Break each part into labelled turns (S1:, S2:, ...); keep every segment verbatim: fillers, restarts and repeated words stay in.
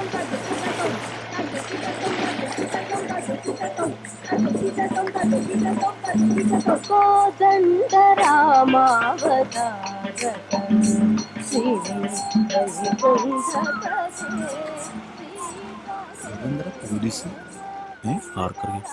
S1: Police ആർക്കറിയാം.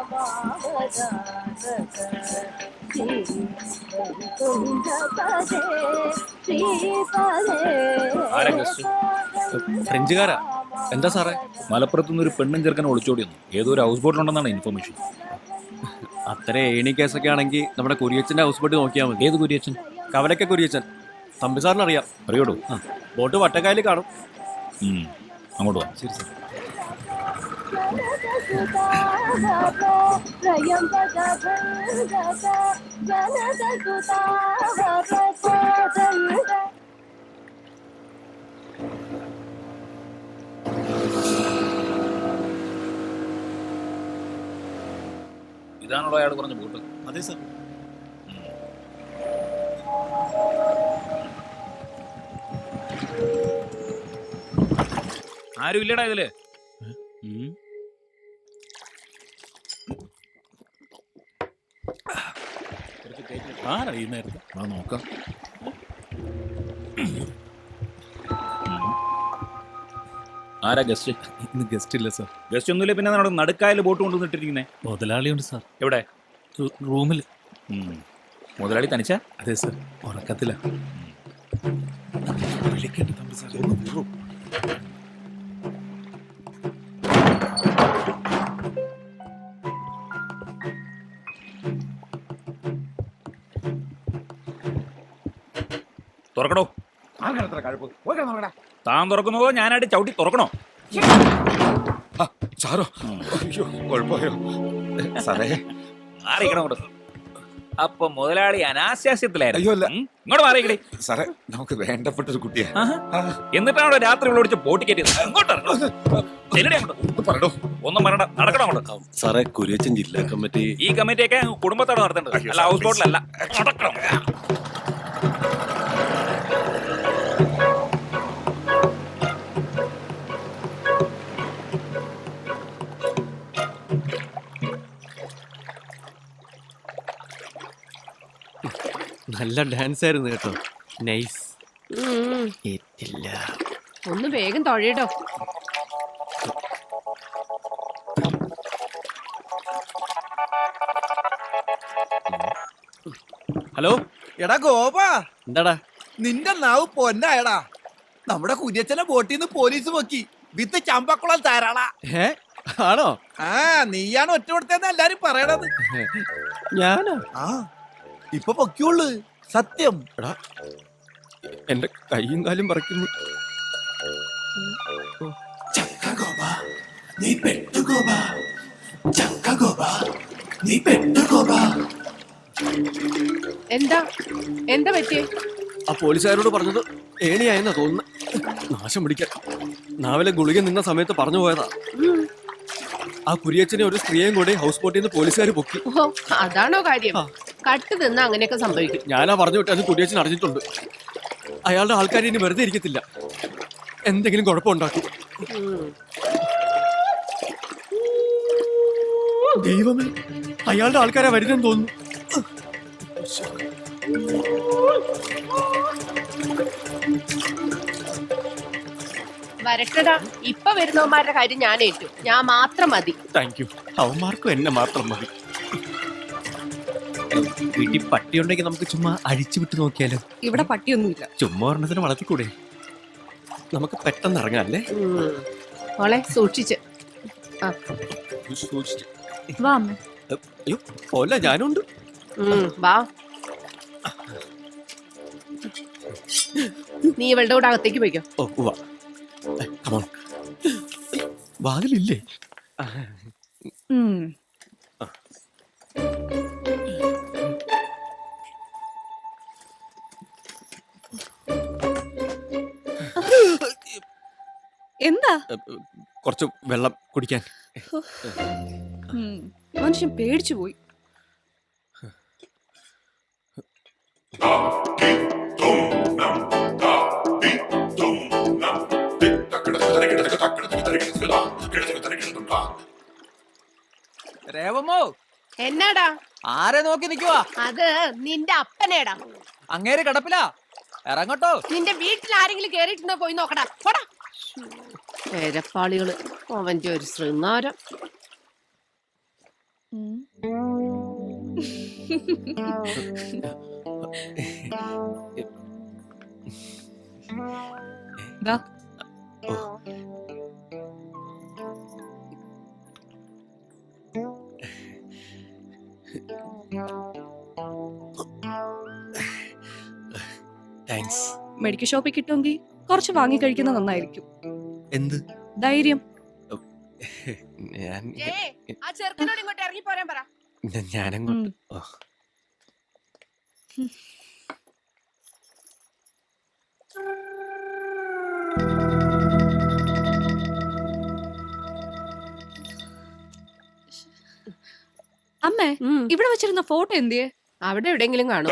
S2: ഫ്രഞ്ചുകാരാ. എന്താ സാറേ?
S1: മലപ്പുറത്തുനിന്ന് ഒരു പെണ്ണും ചെറുക്കനെ ഒളിച്ചോടിയെന്നു. ഏതോ ഒരു ഹൗസ് ബോട്ടിലുണ്ടെന്നാണ് ഇൻഫർമേഷൻ.
S2: അത്ര ഏണി കേസൊക്കെ ആണെങ്കിൽ നമ്മുടെ കുര്യച്ചന്റെ ഹൗസ് ബോട്ട് നോക്കിയാൽ മതി.
S1: ഏത് കുര്യച്ചൻ?
S2: കവലക്ക കുര്യച്ചൻ. തമ്പി സാറിന് അറിയാം.
S1: അറിയോടൂ?
S2: ആ, ബോട്ട് വട്ടക്കായൽ കാണും.
S1: അങ്ങോട്ട് വാ.
S2: ശരി സാർ.
S1: ഇതാണല്ലോ അയാൾ പറഞ്ഞ ബോട്ട്?
S2: അതെ സാർ.
S1: ആരും ഇല്ലടാ ഇതില്.
S2: ആരറിയുന്നായിരുന്നു?
S1: ആ നോക്കാം. ആരാ ഗസ്റ്റ്?
S2: ഇന്ന് ഗസ്റ്റ് ഇല്ല സാർ.
S1: ഗസ്റ്റ് ഒന്നുമില്ല. പിന്നെ നമ്മുടെ നടുക്കായൽ ബോട്ട് കൊണ്ടുവന്നിട്ടിരിക്കുന്നേ?
S2: മുതലാളിയുണ്ട് സാർ.
S1: എവിടെ?
S2: റൂമിൽ.
S1: മുതലാളി തനിച്ചാ?
S2: അതെ സാർ, ഉറക്കത്തില്ല. വിളിക്കണ്ട തമ്പി സാർ.
S1: തുറക്കണോ? താൻ തുറക്കുന്നതോ ഞാനായിട്ട് ചവിട്ടി തുറക്കണോ?
S3: സാറോ? അയ്യോ, കുഴപ്പമായോ സാറേ?
S1: മാറിയിക്കണം അങ്ങോട്ട്. അപ്പൊ മുതലാളി അനാശാസ്യത്തിലായിരുന്നു.
S3: അയ്യോ അല്ല,
S1: ഇങ്ങോട്ട് മാറിയിക്കടേ
S3: സാറേ. നമുക്ക് വേണ്ടപ്പെട്ട ഒരു കുട്ടിയാ.
S1: എന്നിട്ടാണോ രാത്രി വിളിച്ച് ബോട്ട് കയറ്റിയത്? അങ്ങോട്ട്
S3: പറഞ്ഞോ.
S1: ഒന്നും പറയണ്ട, നടക്കണം അങ്ങോട്ട്.
S2: സാറേ, കുര്യച്ചൻ ജില്ലാ കമ്മിറ്റി.
S1: ഈ കമ്മിറ്റിയൊക്കെ കുടുംബത്തോടെ നടത്തേണ്ടത്, അല്ല ഹൗസ് ബോട്ടിലല്ല. നടക്കണം.
S2: നല്ല ഡാൻസ് ആയിരുന്നു കേട്ടോ. നൈസ്. ഏറ്റില്ല.
S4: ഒന്ന് വേഗം തൊഴയിടോ.
S2: ഹലോ.
S5: എടാ ഗോപാ,
S2: എന്താടാ?
S5: നിന്റെ നാവ് പൊന്നായടാ. നമ്മുടെ കുര്യച്ചനെ ബോട്ടിൽ നിന്ന് പോലീസ് പൊക്കി വിത്ത് ചമ്പക്കുളം താരാളാ.
S2: ഏ, ആണോ?
S5: ആ, നീയാണ് ഒറ്റ കൊടുത്തതെന്ന് എല്ലാരും പറയണത്.
S2: ഞാനോ?
S5: ആ, ഇപ്പൊ പൊക്കിയുള്ളു. സത്യം.
S2: എടാ, എന്റെ കൈയും കാലും പറിക്കുന്നു.
S4: എന്താ എന്താ പറ്റിയേ?
S2: ആ പോലീസുകാരോട് പറഞ്ഞത് ഏണിയായെന്നാ തോന്നുന്നു. നാശം പിടിക്കാൻ. നാവിലെ ഗുളിക നിന്ന സമയത്ത് പറഞ്ഞു പോയതാ. ആ കുര്യച്ചനെ ഒരു സ്ത്രീയെയും കൂടി ഹൗസ് ബോട്ടിൽ നിന്ന് പോലീസുകാർ പൊക്കി.
S4: ഓ, അതാണോ കാര്യം? കട്ട് നിന്ന് അങ്ങനെയൊക്കെ സംഭവിക്കും.
S2: ഞാനാ പറഞ്ഞു വിട്ട്. അത് കുര്യച്ചൻ അറിഞ്ഞിട്ടുണ്ട്. അയാളുടെ ആൾക്കാർ ഇനി വെറുതെ ഇരിക്കത്തില്ല, എന്തെങ്കിലും കുഴപ്പമുണ്ടാക്കും. ദൈവമേ, അയാളുടെ ആൾക്കാരാ വരുന്നെന്ന് തോന്നുന്നു.
S4: വരട്ടടാ, ഇപ്പൊ വരുന്നവന്മാരുടെ കാര്യം ഞാൻ ഏറ്റു. ഞാൻ മാത്രം മതി.
S2: Thank you. അവന്മാർക്കും എന്നെ മാത്രം മതി. വീട്ടിൽ പട്ടി ഉണ്ടെങ്കിൽ നമുക്ക് ചുമ്മാ അഴിച്ചു വിട്ട് നോക്കിയാലോ?
S4: ഇവിടെ പട്ടിയൊന്നുമില്ല.
S2: ചുമ്മാ ഒരെണ്ണത്തിന് വളർത്തിക്കൂടെ? നമുക്ക് പെട്ടെന്ന് ഇറങ്ങാല്ലേ?
S4: മോളെ സൂക്ഷിച്ച്.
S2: അയ്യോ, ഓല്ല, ഞാനുണ്ട്.
S4: വാ. നീ ഇവളുടെ കൂടെ അകത്തേക്ക് പോയിക്കോ.
S2: ഓ, വാ. വാതിലില്ലേ?
S6: എന്താ?
S2: കുറച്ച് വെള്ളം കുടിക്കാൻ.
S6: മനുഷ്യൻ പേടിച്ചു പോയി.
S5: രേവമോ
S4: എന്നാടാ
S5: ആരെ നോക്കി നിക്കുവാ?
S4: അത് നിന്റെ അപ്പനേടാ.
S5: അങ്ങേര് കിടപ്പില. ഇറങ്ങട്ടോ.
S4: നിന്റെ വീട്ടിൽ ആരെങ്കിലും കേറിയിട്ടുണ്ടോ പോയി നോക്കടാ. പോടാ. പേരപ്പാളികള് അവന്റെ ഒരു ശൃംഗാരം.
S6: ദാ,
S2: താങ്ക്സ്.
S6: മെഡിക്കൽ ഷോപ്പിൽ കിട്ടുമെങ്കിൽ കുറച്ച് വാങ്ങി കഴിക്കുന്നത് നന്നായിരിക്കും.
S2: എന്ത്?
S6: ധൈര്യം.
S2: ഞാൻ
S4: ഏയ്, ആ ചെറുക്കനോട് ഇങ്ങോട്ട് ഇറങ്ങി പോരാൻ പറ.
S2: ഞാനങ്ങോട്ട് ഓ.
S6: അമ്മേ,
S4: ഉം.
S6: ഇവിടെ വെച്ചിരുന്ന ഫോട്ടോ എന്തിയെ?
S4: അവിടെ എവിടെയെങ്കിലും കാണും.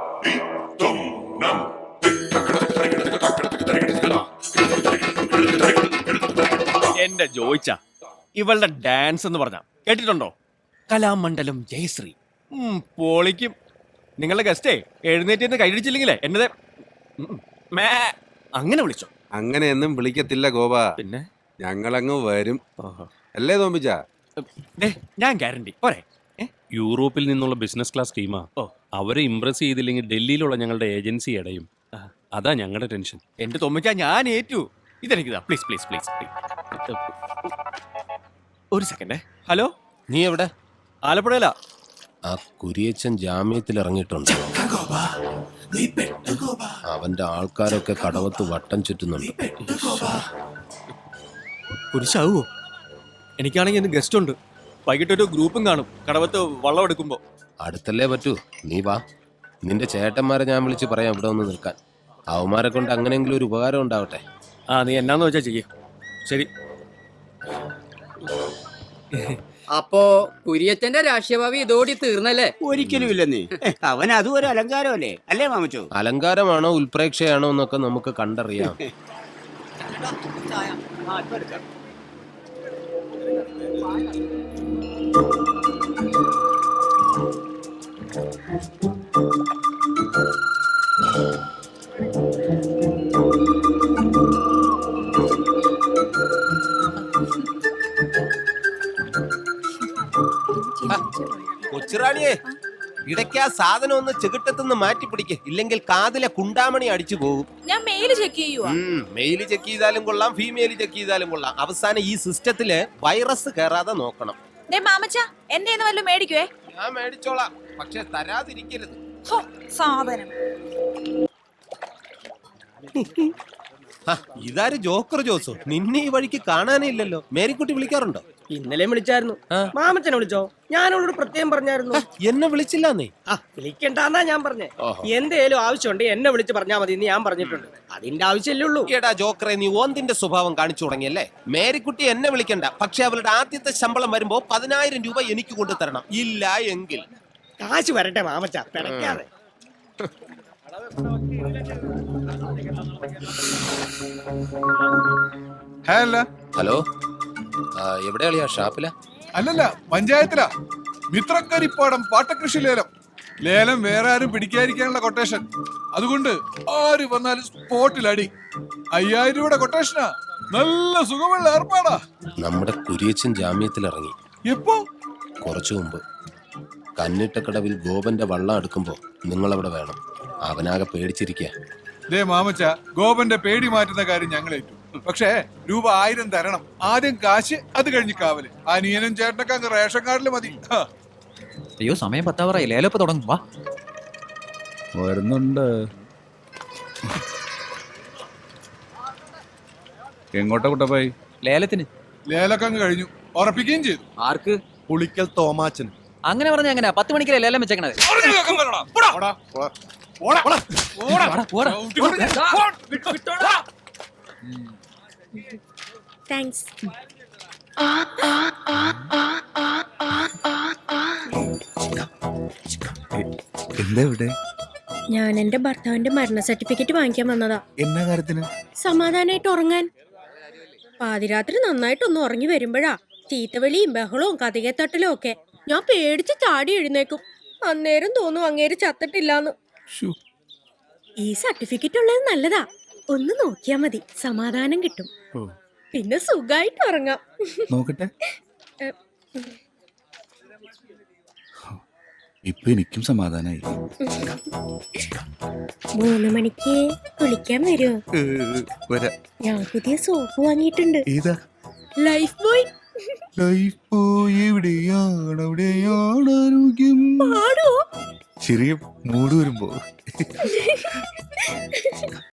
S2: എന്റെ ജോയിച്ച ഇവളുടെ ഡാൻസ് എന്ന് പറഞ്ഞ കേട്ടിട്ടുണ്ടോ? കലാമണ്ഡലം ജയശ്രീ. ഉം, പൊളിക്കും. നിങ്ങളുടെ ഗസ്റ്റേ എഴുന്നേറ്റ് കൈയടിച്ചില്ലെങ്കിലേ എന്നതേ ഉം, മേ അങ്ങനെ വിളിച്ചോ.
S7: അങ്ങനെയൊന്നും വിളിക്കത്തില്ല ഗോപ.
S2: പിന്നെ
S7: ഞങ്ങളങ്ങ് വരും.
S2: ഓഹോ.
S7: അല്ലേ തോമ്പിച്ച?
S2: ദേ, ഞാൻ ഗ്യാരണ്ടി പോരെ.
S1: യൂറോപ്പിൽ നിന്നുള്ള ബിസിനസ് ക്ലാസ് ടീമാ.
S2: ഓ.
S1: അവരെ ഇംപ്രസ് ചെയ്തില്ലെങ്കിൽ ഡൽഹിയിലുള്ള ഞങ്ങളുടെ ഏജൻസി അടയും.
S2: ആ.
S1: അതാ ഞങ്ങളുടെ ടെൻഷൻ.
S2: എന്റെ തൊമ്മിച്ച ഞാൻ ഏറ്റു. ഇതെനിക്കിതാ പ്ലീസ് പ്ലീസ് പ്ലീസ് ഒരു സെക്കൻഡേ. ഹലോ,
S8: നീ എവിടെ?
S2: ആലപ്പുഴയിലാ.
S8: ആ കുരിയച്ചൻ ജാമ്യത്തിൽ ഇറങ്ങിയിട്ടുണ്ട്. അവന്റെ ആൾക്കാരൊക്കെ കടവത്ത് വട്ടം ചുറ്റുന്നുണ്ട്.
S2: കുരിശാവോ? എനിക്കാണെങ്കിൽ ഇന്ന് ഗസ്റ്റ് ഉണ്ട്. വൈകിട്ടൊരു ഗ്രൂപ്പും കാണും കടവത്ത് വള്ളം എടുക്കുമ്പോ.
S8: അടുത്തല്ലേ പറ്റൂ, നീ വാ. നിന്റെ ചേട്ടന്മാരെ ഞാൻ വിളിച്ച് പറയാം ഇവിടെ ഒന്ന് നിൽക്കാൻ. അവന്മാരെ കൊണ്ട് അങ്ങനെയെങ്കിലും ഒരു ഉപകാരം ഉണ്ടാവട്ടെ.
S2: ആ, നീ എന്നാന്ന് വെച്ചാ ചെയ്യ. ശരി.
S9: അപ്പോ കുര്യച്ചന്റെ രാഷ്ട്രീയഭാവി ഇതോടി തീർന്നല്ലേ?
S10: ഒരിക്കലും ഇല്ലെന്നേ. അവൻ അതും ഒരു അലങ്കാരമല്ലേ അല്ലേ മാമച്ചോ?
S8: അലങ്കാരമാണോ ഉൽപ്രേക്ഷയാണോ എന്നൊക്കെ നമുക്ക് കണ്ടറിയാം. കൊച്ചുറാണിയെ, ഇടയ്ക്ക് ആ സാധനം ഒന്ന് ചെകിട്ടത്തുനിന്ന് മാറ്റി പിടിക്ക്, ഇല്ലെങ്കിൽ കാതിലെ കുണ്ടാമണി അടിച്ചു പോകും.
S6: ഞാൻ മെയിൽ ചെക്ക് ചെയ്യുവാ.
S8: മെയിൽ ചെക്ക് ചെയ്താലും കൊള്ളാം, ഫീമെയിൽ ചെക്ക് ചെയ്താലും കൊള്ളാം. അവസാനം ഈ സിസ്റ്റത്തില് വൈറസ് കയറാതെ നോക്കണം.
S6: മാമച്ച എന്റെ വല്ലതും മേടിക്കുവേ.
S8: ഞാൻ മേടിച്ചോളാം, പക്ഷെ തരാതിരിക്കരുത്.
S6: സാധനം.
S8: ഇതാര് ജോക്കർ ജോസോ? നിന്നെ ഈ വഴിക്ക് കാണാനേ ഇല്ലല്ലോ. മേരിക്കുട്ടി വിളിക്കാറുണ്ടോ?
S9: ഇന്നലെ വിളിച്ചായിരുന്നു. മാമച്ചനെ വിളിച്ചോ? ഞാനോട് പ്രത്യേകം പറഞ്ഞായിരുന്നു.
S8: എന്നെ വിളിച്ചില്ല നീ?
S9: ആ, വിളിക്കണ്ടെന്നാ ഞാൻ പറഞ്ഞേ. എന്തേലും ആവശ്യമുണ്ട് എന്നെ വിളിച്ച് പറഞ്ഞാ മതി എന്ന് ഞാൻ പറഞ്ഞിട്ടുണ്ട്. അതിന്റെ ആവശ്യമല്ലേ ഉള്ളൂ.
S8: എടാ ജോക്കറെ, നീ ഓന്തിന്റെ സ്വഭാവം കാണിച്ചു തുടങ്ങിയല്ലേ. മേരിക്കുട്ടി എന്നെ വിളിക്കണ്ട, പക്ഷെ അവളുടെ ആദ്യത്തെ ശമ്പളം വരുമ്പോ പതിനായിരം രൂപ എനിക്ക് കൊണ്ടു തരണം. ഇല്ല എങ്കിൽ
S9: കാശ് വരട്ടെ മാമച്ച, പിടയ്ക്കാതെ.
S8: ഹലോ, എവിടെയാളിയാ? ഷാപ്പില?
S11: അല്ലല്ല, പഞ്ചായത്തിലാ. മിത്രക്കരിപ്പാടം പാട്ടകൃഷി ലേലം. ലേലം വേറെ ആരും പിടിക്കാതിരിക്കാനുള്ള കൊട്ടേഷൻ. അതുകൊണ്ട് ആര് വന്നാലും സ്പോട്ടിൽ അടി. അയ്യായിരം രൂപയുടെ കൊട്ടേഷനാ. നല്ല സുഖമുള്ള ഏർപ്പാടാ.
S8: നമ്മുടെ കുരിയച്ചൻ ജാമ്യത്തിൽ ഇറങ്ങി.
S11: എപ്പോ?
S8: കുറച്ചു മുമ്പ്. കന്നിട്ടക്കടവിൽ ഗോപന്റെ വള്ളം എടുക്കുമ്പോ നിങ്ങളവിടെ വേണം. അവനാകെ പേടിച്ചിരിക്കുക.
S11: ദേ മാമച്ച, ഗോപന്റെ പേടി മാറ്റുന്ന കാര്യം ഞങ്ങൾ ഏറ്റു. പക്ഷേ രൂപ ആയിരം തരണം. ആദ്യം കാശ്, അത് കഴിഞ്ഞ് കാവല്. അനിയനും ചേട്ടനൊക്കെ അങ്ങ് റേഷൻ കാർഡില് മതി.
S5: അയ്യോ, സമയം പത്താവറായി. ലേലപ്പ് തുടങ്ങും. വാ,
S1: വരുന്നുണ്ട്. എങ്ങോട്ടാ കുട്ടപ്പായി?
S5: ലേലത്തിന്.
S11: ലേലൊക്കെ അങ്ങ് കഴിഞ്ഞു. ഉറപ്പിക്കുകയും ചെയ്തു.
S5: ആർക്ക്?
S2: പുളിക്കൽ തോമാച്ചൻ.
S5: അങ്ങനെ പറഞ്ഞ എങ്ങനെയാ? പത്ത് മണിക്കല്ലേ ലേലം വെച്ചേക്കണത്.
S6: താങ്ക്സ്.
S3: എന്താ ഇവിടെ?
S6: ഞാൻ എന്റെ ഭർത്താവിന്റെ മരണ സർട്ടിഫിക്കറ്റ് വാങ്ങിക്കാൻ വന്നതാ.
S3: എന്നാ കാര്യത്തിന്?
S6: സമാധാനായിട്ട് ഉറങ്ങാൻ.
S12: പാതിരാത്രി നന്നായിട്ടൊന്ന് ഉറങ്ങി വരുമ്പോഴാ ചീത്തവിളിയും ബഹളവും കഥകത്തട്ടലും ഒക്കെ. ഞാൻ പേടിച്ച് ചാടി എഴുന്നേക്കും. അന്നേരം തോന്നും അങ്ങേര് ചത്തിട്ടില്ലാന്ന്.
S3: ശ്ശോ.
S12: ഈ സർട്ടിഫിക്കറ്റ് ഉള്ളത് നല്ലതാ. ഒന്ന് നോക്കിയാ മതി, സമാധാനം കിട്ടും.
S3: ഓ.
S12: പിന്നെ സുഖായിട്ട് ഉറങ്ങാം.
S3: നോക്കട്ടെ.
S12: എ,
S3: ഇപ്പൊ എനിക്കും സമാധാനായി.
S12: മൂന്ന് മണിക്ക് കുളിക്കാൻ വരുമോ?
S3: ഏ, വരാം.
S12: ഞാൻ പുതിയ സോപ്പ് വാങ്ങിയിട്ടുണ്ട്.
S3: ഏതാ?
S12: Life boy.
S3: ലൈഫ് പോയി എവിടെയാണ് അവിടെയാണ് ആരോഗ്യം.
S12: പാടോ?
S3: ചെറിയ മൂട് വരുമ്പോ